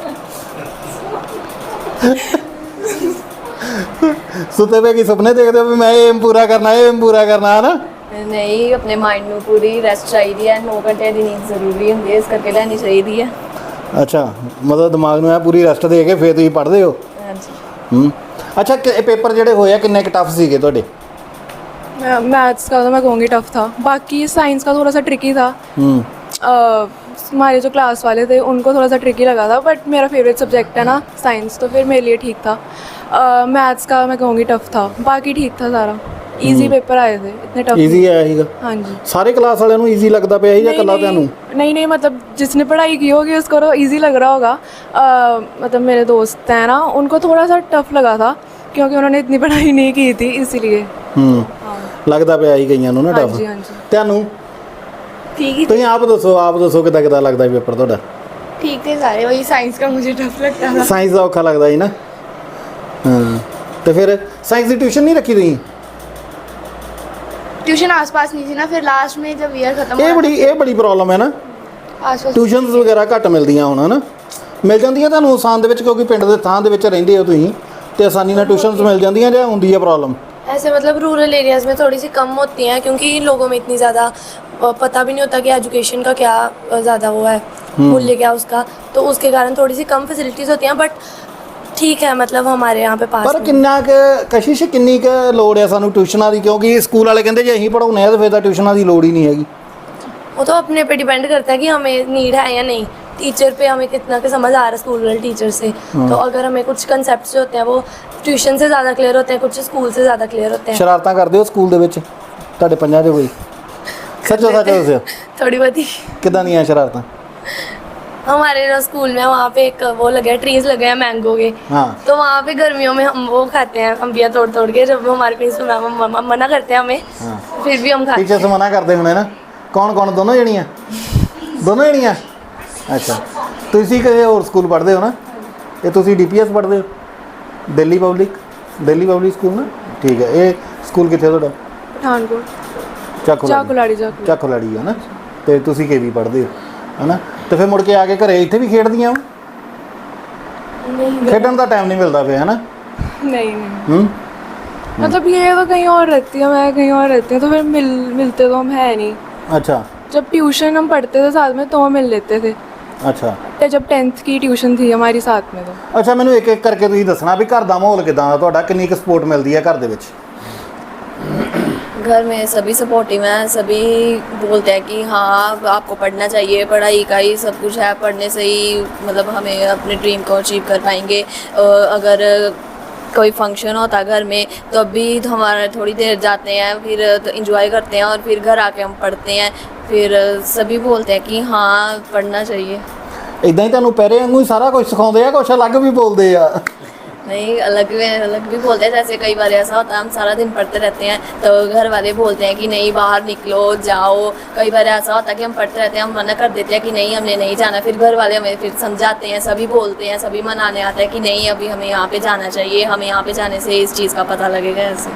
Speaker 1: ਸੁੱਤੇ ਪਏ ਕੀ ਸੁਪਨੇ ਦੇਖਦੇ ਹੋ ਵੀ ਮੈਂ ਇਹ ਪੂਰਾ ਕਰਨਾ ਹੈ ਨਾ?
Speaker 5: ਨਹੀਂ, ਆਪਣੇ ਮਾਈਂਡ ਨੂੰ ਪੂਰੀ ਰੈਸਟ ਚਾਹੀਦੀ ਹੈ। 9 ਘੰਟੇ ਦੀ ਨੀਂਦ ਜ਼ਰੂਰੀ ਹੁੰਦੀ ਹੈ, ਇਸ ਕਰਕੇ ਲੈਣੀ ਚਾਹੀਦੀ ਹੈ।
Speaker 1: ਅੱਛਾ ਮਤਲਬ ਦਿਮਾਗ ਨੂੰ ਪੂਰੀ ਰੈਸਟ ਦੇ ਕੇ ਫਿਰ ਤੁਸੀਂ ਪੜ੍ਹਦੇ ਹੋ?
Speaker 5: ਹਾਂਜੀ।
Speaker 1: ਅੱਛਾ ਇਹ ਪੇਪਰ ਜਿਹੜੇ ਹੋਏ ਆ ਕਿੰਨੇ ਕੁ ਟਫ ਸੀਗੇ ਤੁਹਾਡੇ?
Speaker 3: मैथ्स का तो मैं कहूँगी टफ था, बाकी साइंस का थोड़ा सा ट्रिकी था। हमारे जो क्लास वाले थे उनको थोड़ा सा ट्रिकी लगा था, बट मेरा फेवरेट सब्जेक्ट है ना साइंस, तो फिर मेरे लिए ठीक था। मैथ्स का मैं कहूँगी टफ था, बाकी ठीक था सारा। इजी पेपर आए थे, इतने टफ
Speaker 1: ਈਜ਼ੀ ਆਇਆ ਸੀਗਾ?
Speaker 3: हाँ जी।
Speaker 1: ਸਾਰੇ ਕਲਾਸ ਵਾਲਿਆਂ ਨੂੰ ਈਜ਼ੀ ਲੱਗਦਾ ਪਿਆ ਸੀ ਜਾਂ ਇਕੱਲਾ ਤੁਹਾਨੂੰ?
Speaker 3: नहीं मतलब जिसने पढ़ाई की होगी उसको तो ईजी लग रहा होगा। मतलब मेरे दोस्त हैं ना उनको थोड़ा सा टफ लगा था क्योंकि उन्होंने इतनी पढ़ाई नहीं की थी, इसीलिए।
Speaker 1: ਲੱਗਦਾ ਪਿਆ ਸੀ ਕਈਆਂ ਨੂੰ ਨਾ
Speaker 3: हाँ
Speaker 1: ਟਫ।
Speaker 3: जी हाँ जी।
Speaker 1: ਤੁਹਾਨੂੰ?
Speaker 4: ठीक ही
Speaker 1: ਤੁਸੀਂ ਆਪ ਦੱਸੋ ਕਿੱਦਾਂ ਲੱਗਦਾ ਪੇਪਰ ਤੁਹਾਡਾ?
Speaker 4: ठीक थे सारे। वही साइंस का मुझे टफ लगता था।
Speaker 1: ਸਾਇੰਸ ਦਾ ਔਖਾ ਲੱਗਦਾ ਸੀ ਨਾ? ਹਾਂ ਤੇ ਫਿਰ ਸਾਇੰਸ ਦੀ ਟਿਊਸ਼ਨ ਨਹੀਂ ਰੱਖੀ ਤੁਸੀਂ?
Speaker 4: ट्यूशन आसपास नहीं थी ना, फिर लास्ट में जब ईयर खत्म
Speaker 1: ਇਹ ਬੜੀ ਪ੍ਰੋਬਲਮ ਹੈ ਨਾ।
Speaker 4: आसपास
Speaker 1: ਟਿਊਸ਼ਨਸ ਵਗੈਰਾ ਘੱਟ ਮਿਲਦੀਆਂ ਹੁਣ, ਹੈ ਨਾ? ਮਿਲ ਜਾਂਦੀਆਂ ਤੁਹਾਨੂੰ ਆਸਾਨ ਦੇ ਵਿੱਚ ਕਿਉਂਕਿ ਪਿੰਡ ਦੇ ਥਾਂ ਦੇ ਵਿੱਚ ਰਹਿੰਦੇ ਹੋ ਤੁਸੀਂ, ਤੇ ਆਸਾਨੀ ਨਾਲ ਟਿਊਸ਼ਨਸ ਮਿਲ ਜਾਂਦੀਆਂ ਜਾਂ ਹੁੰਦੀ ਹੈ ਪ੍ਰੋਬਲਮ?
Speaker 2: ऐसे मतलब रूरल एरियाज़ में थोड़ी सी कम होती हैं क्योंकि लोगों में इतनी ज़्यादा पता भी नहीं होता कि एजुकेशन का क्या ज़्यादा वो है, मूल्य क्या उसका, तो उसके कारण थोड़ी सी कम फैसिलिटीज़ होती हैं। बट ठीक है, मतलब हमारे यहाँ पे पास
Speaker 1: ਪਰ
Speaker 2: में।
Speaker 1: ਕਿੰਨਾ ਕੁ ਕਸ਼ਿਸ਼ ਕਿੰਨੀ ਕੁ ਲੋੜ ਹੈ ਸਾਨੂੰ ਟਿਊਸ਼ਨਾਂ ਦੀ? ਕਿਉਂਕਿ ਸਕੂਲ ਵਾਲੇ ਕਹਿੰਦੇ ਜੇ ਅਸੀਂ ਪੜਾਉਣੇ ਆ ਤਾਂ ਫਿਰ ਤਾਂ ਟਿਊਸ਼ਨਾਂ ਦੀ ਲੋੜ ਹੀ ਨਹੀਂ ਹੈਗੀ।
Speaker 2: वो तो अपने पे डिपेंड करता है कि हमें नीड है या नहीं। टीचर पे हमें कितना के समझ आ रहा है स्कूल वाले टीचर से, तो अगर हमें कुछ कंसेप्ट जो होते हैं वो ट्यूशन से ज़्यादा क्लियर होते हैं, कुछ स्कूल से ज़्यादा क्लियर होते हैं।
Speaker 1: ਸ਼ਰਾਰਤਾਂ ਕਰਦੇ ਹੋ ਸਕੂਲ ਦੇ ਵਿੱਚ ਤੁਹਾਡੇ ਪੰਜਾਂ 'ਚ ਕੋਈ? ਸੱਚੋ ਸੱਚ ਦੱਸਿਓ
Speaker 2: थोड़ी बहुत ही।
Speaker 1: ਕਿੱਦਾਂ ਦੀਆਂ ਸ਼ਰਾਰਤਾਂ?
Speaker 2: हमारे जो स्कूल में वहाँ पे एक वो लगे हैं, ट्रीज लगे हैं मैंगो के,
Speaker 1: हाँ।
Speaker 2: तो वहाँ पे गर्मियों में हम वो खाते हैं अंबिया तोड़ के। जब हमारे प्रिंसिपल मैम मना करते हैं हमें, फिर भी हम खाते हैं।
Speaker 1: ਟੀਚਰਸ ਮਨਾ ਕਰਦੇ ਹੋਣੇ ਨਾ? ਕੌਣ ਦੋਨੋਂ ਜਣੀਆਂ? ਦੋਨੋਂ ਜਣੀਆਂ? ਅੱਛਾ ਤੁਸੀਂ ਕਿਸੇ ਹੋਰ ਸਕੂਲ ਪੜ੍ਹਦੇ ਹੋ ਨਾ? ਇਹ ਤੁਸੀਂ DPS ਪੜ੍ਹਦੇ ਹੋ? Delhi public? Delhi public school ਨਾ, ਠੀਕ ਹੈ। ਇਹ ਸਕੂਲ ਕਿੱਥੇ ਤੁਹਾਡਾ?
Speaker 3: ਪਠਾਨਕੋਟ
Speaker 1: ਚੱਕ
Speaker 3: ਚਾਕੂਲਾੜੀ
Speaker 1: ਲੜੀ ਹੈ ਨਾ, ਤੇ ਤੁਸੀਂ ਕੇਵੀ ਪੜ੍ਹਦੇ ਹੋ ਹੈ ਨਾ, ਤੇ ਫਿਰ ਮੁੜ ਕੇ ਆ ਕੇ ਘਰੇ ਇੱਥੇ ਵੀ ਖੇਡਦੀਆਂ ਹੋ?
Speaker 2: नहीं
Speaker 1: ਖੇਡਣ ਦਾ ਟਾਈਮ ਨਹੀਂ ਮਿਲਦਾ ਪਿਆ ਹੈ ਨਾ?
Speaker 3: नहीं नहीं मतलब ये तो कहीं और रहती है, मैं कहीं और रहती हूँ, तो फिर मिलते तो हम है नहीं।
Speaker 1: ਅੱਛਾ
Speaker 3: जब ट्यूशन हम पढ़ते थे साथ में तो हम मिल लेते थे,
Speaker 1: ਅੱਛਾ
Speaker 3: तो जब 10th की ट्यूशन थी हमारी साथ में तो
Speaker 1: ਅੱਛਾ ਮੈਨੂੰ ਇੱਕ ਇੱਕ ਕਰਕੇ ਤੁਸੀਂ ਦੱਸਣਾ ਵੀ ਘਰ ਦਾ ਮਾਹੌਲ ਕਿਦਾਂ ਦਾ ਤੁਹਾਡਾ, ਕਿੰਨੀ ਕੁ ਸਪੋਰਟ ਮਿਲਦੀ ਹੈ ਘਰ ਦੇ ਵਿੱਚ?
Speaker 5: घर में सभी सपोर्टिव हैं, सभी बोलते हैं कि हाँ आपको पढ़ना चाहिए, पढ़ाई का ही सब कुछ है, पढ़ने से ही मतलब हमें अपने ड्रीम को अचीव कर पाएंगे। अगर कोई फंक्शन होता घर में तो अभी तो हमारा थोड़ी देर जाते हैं, फिर तो इंजॉय करते हैं और फिर घर आके हम पढ़ते हैं। फिर सभी बोलते हैं कि हाँ पढ़ना चाहिए।
Speaker 1: ਇਦਾਂ ਹੀ ਤੁਹਾਨੂੰ ਪਹਿਰੇ ਵਾਂਗੂ ਹੀ ਸਾਰਾ ਕੁਝ ਸਿਖਾਉਂਦੇ ਆ, ਕੁਛ ਅਲੱਗ ਵੀ ਬੋਲਦੇ ਆ?
Speaker 5: नहीं, अलग भी बोलते हैं। जैसे कई बार ऐसा होता है हम सारा दिन पढ़ते रहते हैं तो घर वाले बोलते हैं कि नहीं बाहर निकलो जाओ। कई बार ऐसा होता है कि हम पढ़ते रहते हैं, हम मना कर देते हैं कि नहीं हमने नहीं जाना, फिर घर वाले हमें फिर समझाते हैं, सभी बोलते हैं, सभी मनाने आते हैं कि नहीं अभी हमें यहाँ पे जाना चाहिए, हमें यहाँ पे जाने से इस चीज़ का पता लगेगा। ऐसे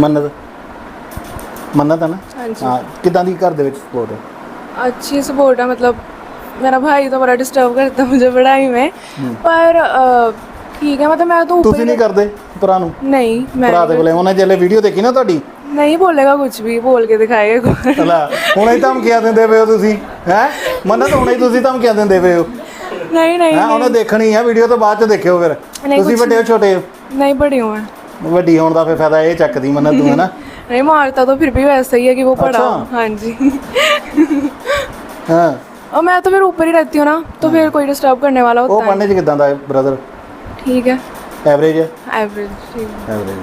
Speaker 1: ਮੰਨਤ ਹੈ ਨਾ?
Speaker 3: हाँ जी
Speaker 1: ਹਾਂ, ਕਿੱਦਾਂ ਦੀ ਘਰ ਦੇ ਵਿੱਚ ਸਪੋਰਟ ਹੈ?
Speaker 3: अच्छी सपोर्ट है। मतलब मेरा भाई तो बड़ा डिस्टर्ब करता है मुझे पढ़ाई में, पर ठीक है, मतलब मैं तो ऊपर
Speaker 1: ਤੁਸੀਂ ਨਹੀਂ ਕਰਦੇ ਭਰਾ ਨੂੰ?
Speaker 3: नहीं मैं
Speaker 1: ਭਰਾ ਦੇ ਕੋਲੇ ਉਹਨੇ ਜਿਹੜੇ ਵੀਡੀਓ ਦੇਖੀ ਨਾ ਤੁਹਾਡੀ,
Speaker 3: नहीं बोलेगा कुछ भी, बोल के दिखाएगा कोई।
Speaker 1: ਲੈ ਹੁਣੇ ਹੀ ਧਮਕੀਆਂ ਦਿੰਦੇ ਪਏ ਹੋ ਤੁਸੀਂ ਹੈ? ਮੰਨਤ ਹੁਣੇ ਹੀ ਤੁਸੀਂ ਧਮਕੀਆਂ ਦਿੰਦੇ ਪਏ ਹੋ
Speaker 3: नहीं नहीं
Speaker 1: ਹੈ? ਉਹਨੇ ਦੇਖਣੀ ਹੈ ਵੀਡੀਓ, ਤੋਂ ਬਾਅਦ ਚ ਦੇਖਿਓ ਫਿਰ।
Speaker 3: ਨਹੀਂ,
Speaker 1: ਤੁਸੀਂ
Speaker 3: ਕੁਛ
Speaker 1: ਵੱਡੇ ਹੋ ਛੋਟੇ ਹੋ?
Speaker 3: नहीं पढ़ी हूँ मैं।
Speaker 1: ਵੱਡੀ ਹੋਣ ਦਾ ਫਿਰ ਫਾਇਦਾ ਇਹ ਚੱਕਦੀ ਮੰਨਤ ਤੂੰ ਹੈ ਨਾ?
Speaker 3: नहीं मारता तो फिर भी वैसा ही है कि वो पढ़ा हो।
Speaker 1: अच्छा।
Speaker 3: हाँ जी
Speaker 1: ਹਾਂ
Speaker 3: और मैं तो फिर ऊपर ही रहती हूँ ना, तो फिर कोई डिस्टर्ब करने वाला
Speaker 1: ਉਹ
Speaker 3: होता है।
Speaker 1: ਪੜ੍ਹਨੇ ਚ ਕਿੱਦਾਂ ਦਾ ਬ੍ਰਦਰ?
Speaker 3: ठीक है,
Speaker 1: ਐਵਰੇਜ ਹੈ?
Speaker 3: एवरेज ठीक है।
Speaker 1: ਐਵਰੇਜ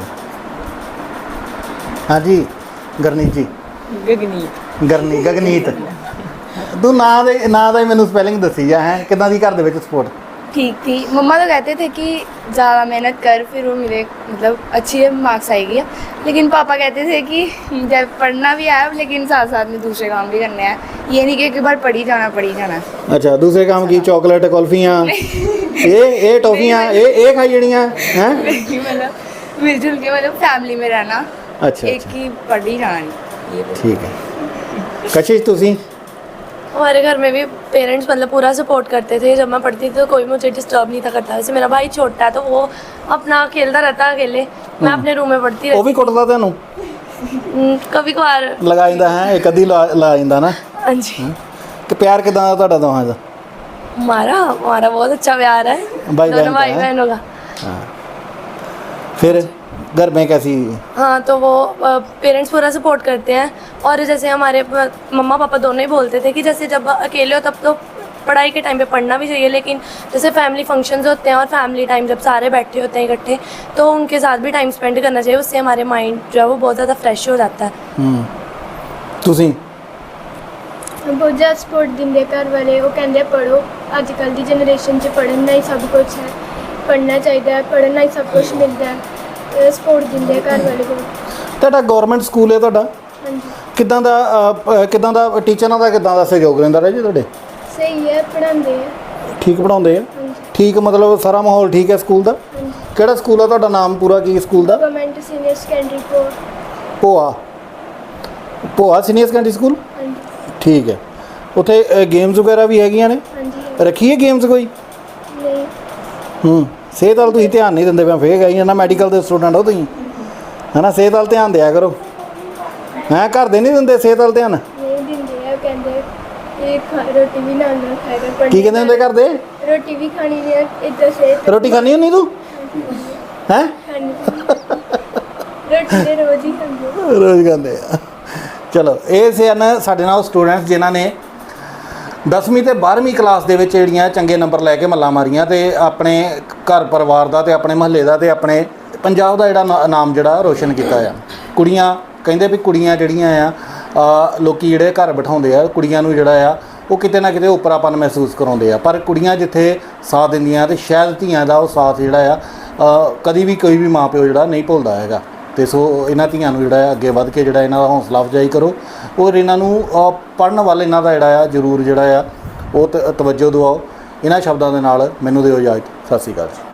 Speaker 1: ਹਾਂਜੀ ਗਰਨੀਤ ਜੀ, ਗਗਨੀਤ ਤੂੰ ਨਾਂ ਦਾ ਹੀ ਮੈਨੂੰ ਸਪੈਲਿੰਗ ਦੱਸੀ ਜਾ ਹੈ, ਕਿੱਦਾਂ ਦੀ ਘਰ ਦੇ ਵਿੱਚ ਸਪੋਰਟ?
Speaker 4: ठीक थी। मम्मा तो कहते थे कि ज़्यादा मेहनत कर फिर वो मिले मतलब अच्छी मार्क्स आएगी, लेकिन पापा कहते थे कि जब पढ़ना भी है लेकिन साथ साथ में दूसरे काम भी करने हैं, ये नहीं कि एक बार पढ़ी जाना।
Speaker 1: ਅੱਛਾ ਦੂਸਰੇ ਕੰਮ ਕੀ? ਚਾਕਲੇਟ ਕੁਲਫੀਆਂ ਇਹ ਟੌਫੀਆਂ ਇਹ ਖਾਈ ਜਿਹੜੀਆਂ ਹੈ?
Speaker 4: मतलब मिलजुल के मतलब फैमिली में रहना,
Speaker 1: ਅੱਛਾ
Speaker 4: एक ही पढ़ी जाना नहीं, ये
Speaker 1: ਠੀਕ ਹੈ। ਕਸ਼ਿਸ਼ ਤੁਸੀਂ?
Speaker 2: हमारे घर में भी पेरेंट्स मतलब पूरा सपोर्ट करते थे। जब मैं पढ़ती थी तो कोई मुझे डिस्टर्ब नहीं था करता। वैसे मेरा भाई छोटा है तो वो अपना खेलता रहता है अकेले, मैं अपने रूम में पढ़ती
Speaker 1: ਉਹ ਵੀ
Speaker 2: रहती
Speaker 1: ਕੁੱਟਦਾ ਤੁਹਾਨੂੰ?
Speaker 2: कभी कभार।
Speaker 1: ਲਗਾ ਜਾਂਦਾ ਹੈ, ਇੱਕ ਅੱਧੀ ਲਾ ਜਾਂਦਾ ਨਾ?
Speaker 2: हाँ जी
Speaker 1: ਕਿ ਪਿਆਰ ਕਿਦਾਂ ਦਾ ਤੁਹਾਡਾ ਦੋਹਾਂ ਦਾ?
Speaker 2: हमारा बहुत अच्छा प्यार है
Speaker 1: भाई बहन
Speaker 2: दोनों
Speaker 1: का
Speaker 2: भाई
Speaker 1: है?
Speaker 2: बहनों का।
Speaker 1: फिर घर में कैसी?
Speaker 2: हाँ तो वो पेरेंट्स पूरा सपोर्ट करते हैं। और जैसे हमारे मम्मा पापा दोनों ही बोलते थे कि जैसे जब अकेले हो तब तो पढ़ाई के टाइम पे पढ़ना भी चाहिए, लेकिन जैसे फैमिली फंक्शंस होते हैं और फैमिली टाइम जब सारे बैठे होते हैं इकट्ठे तो उनके साथ भी टाइम स्पेंड करना चाहिए, उससे हमारे माइंड जो है वो बहुत ज़्यादा फ्रेश हो जाता है।
Speaker 1: ਤੁਸੀਂ?
Speaker 6: बहुत ज़्यादा सपोर्ट दिंदे घर वाले, वो कहते पढ़ो, अजकल की जनरेशन च पढ़ना ही सब कुछ है, पढ़ना चाहिए, पढ़ना ही सब कुछ मिलता है, सपोर्ट दिंदे घर वाले को।
Speaker 1: ਤੁਹਾਡਾ ਗਵਰਨਮੈਂਟ ਸਕੂਲ ਹੈ ਤੁਹਾਡਾ?
Speaker 6: हाँ जी
Speaker 1: ਕਿਦਾਂ ਦਾ ਟੀਚਰਾਂ ਦਾ ਕਿਦਾਂ ਦਾ ਸਹਿਯੋਗ ਰਹਿੰਦਾ ਹੈ ਜੀ ਤੁਹਾਡੇ?
Speaker 6: सही है, पढ़ाते हैं।
Speaker 1: ਠੀਕ ਪੜਾਉਂਦੇ ਆ?
Speaker 6: हाँ जी
Speaker 1: ਠੀਕ ਮਤਲਬ ਸਾਰਾ ਮਾਹੌਲ ਠੀਕ ਹੈ ਸਕੂਲ ਦਾ?
Speaker 6: हाँ जी
Speaker 1: ਕਿਹੜਾ ਸਕੂਲ ਆ ਤੁਹਾਡਾ? ਨਾਮ ਪੂਰਾ ਕੀ ਸਕੂਲ ਦਾ?
Speaker 6: गवर्नमेंट सीनियर सेकेंडरी को।
Speaker 1: Bhoa senior secondary school?
Speaker 6: हाँ जी
Speaker 1: ਠੀਕ ਹੈ। ਉੱਥੇ ਗੇਮਸ ਵਗੈਰਾ ਵੀ ਹੈਗੀਆਂ ਨੇ?
Speaker 6: हाँ जी
Speaker 1: ਰੱਖੀ ਹੈ ਗੇਮਸ ਕੋਈ?
Speaker 6: नहीं
Speaker 1: ਸਿਹਤ ਵੱਲ ਤੁਸੀਂ ਧਿਆਨ ਨਹੀਂ ਦਿੰਦੇ, ਮੈਂ ਫੇਰ ਗਈ ਨਾ ਮੈਡੀਕਲ ਦੇ ਸਟੂਡੈਂਟ ਹੋ ਤੁਸੀਂ ਹੈ ਨਾ, ਸਿਹਤ ਵੱਲ ਧਿਆਨ ਦਿਆ ਕਰੋ ਹੈਂ। ਘਰ ਦੇ ਨਹੀਂ ਦਿੰਦੇ ਸਿਹਤ ਵੱਲ ਧਿਆਨ?
Speaker 6: नहीं दिंदे है, कहते रोटी भी ना खाया कर, पढ़ने
Speaker 1: ਕੀ ਕਹਿੰਦੇ ਹੁੰਦੇ ਘਰ ਦੇ?
Speaker 6: रोटी भी खानी नहीं है इधर से
Speaker 1: ਰੋਟੀ ਖਾਣੀ ਹੁੰਦੀ ਤੂੰ ਹੈ?
Speaker 6: खानी रोटी तो रोज ही खाते।
Speaker 1: ਰੋਜ਼ ਖਾਂਦੇ ਆ। ਚਲੋ ਇਹ ਸਨ ਸਾਡੇ ਨਾਲ ਸਟੂਡੈਂਟਸ ਜਿਨ੍ਹਾਂ ਨੇ 10ਵੀਂ ਤੇ 12ਵੀਂ ਕਲਾਸ ਦੇ ਵਿੱਚ ਜਿਹੜੀਆਂ ਚੰਗੇ ਨੰਬਰ ਲੈ ਕੇ ਮੱਲਾਂ ਮਾਰੀਆਂ ਤੇ ਆਪਣੇ ਘਰ ਪਰਿਵਾਰ ਦਾ ਤੇ ਆਪਣੇ ਮਹੱਲੇ ਦਾ ਤੇ ਆਪਣੇ ਪੰਜਾਬ ਦਾ ਜਿਹੜਾ ਨਾਮ ਜਿਹੜਾ ਰੋਸ਼ਨ ਕੀਤਾ ਆ। ਕੁੜੀਆਂ ਕਹਿੰਦੇ ਵੀ ਕੁੜੀਆਂ ਜਿਹੜੀਆਂ ਆ ਲੋਕੀ ਜਿਹੜੇ ਘਰ ਬਿਠਾਉਂਦੇ ਆ ਕੁੜੀਆਂ ਨੂੰ ਜਿਹੜਾ ਆ ਉਹ ਕਿਤੇ ਨਾ ਕਿਤੇ ਉੱਪਰਾਪਨ ਮਹਿਸੂਸ ਕਰਾਉਂਦੇ ਆ, ਪਰ ਕੁੜੀਆਂ ਜਿੱਥੇ ਸਾਥ ਦਿੰਦੀਆਂ ਤੇ ਸ਼ਾਇਦ ਧੀਆਂ ਦਾ ਉਹ ਸਾਥ ਜਿਹੜਾ ਆ ਕਦੀ ਵੀ ਕੋਈ ਵੀ ਮਾਂ ਪਿਓ ਜਿਹੜਾ ਨਹੀਂ ਭੁੱਲਦਾ ਹੈਗਾ। ਤੇ ਸੋ ਇਹਨਾਂ ਧੀਆਂ ਨੂੰ ਜਿਹੜਾ ਅੱਗੇ ਵੱਧ ਕੇ ਜਿਹੜਾ ਇਹਨਾਂ ਦਾ ਹੌਸਲਾ ਅਫਜ਼ਾਈ ਕਰੋ ਔਰ ਇਹਨਾਂ ਨੂੰ ਪੜ੍ਹਨ ਵੱਲ ਇਹਨਾਂ ਦਾ ਜਿਹੜਾ ਆ ਜ਼ਰੂਰ ਜਿਹੜਾ ਆ ਉਹ ਤਵੱਜੋ ਦਿਵਾਓ। ਇਹਨਾਂ ਸ਼ਬਦਾਂ ਦੇ ਨਾਲ ਮੈਨੂੰ ਦਿਓ ਇਜਾਜ਼ਤ। ਸਤਿ ਸ਼੍ਰੀ ਅਕਾਲ।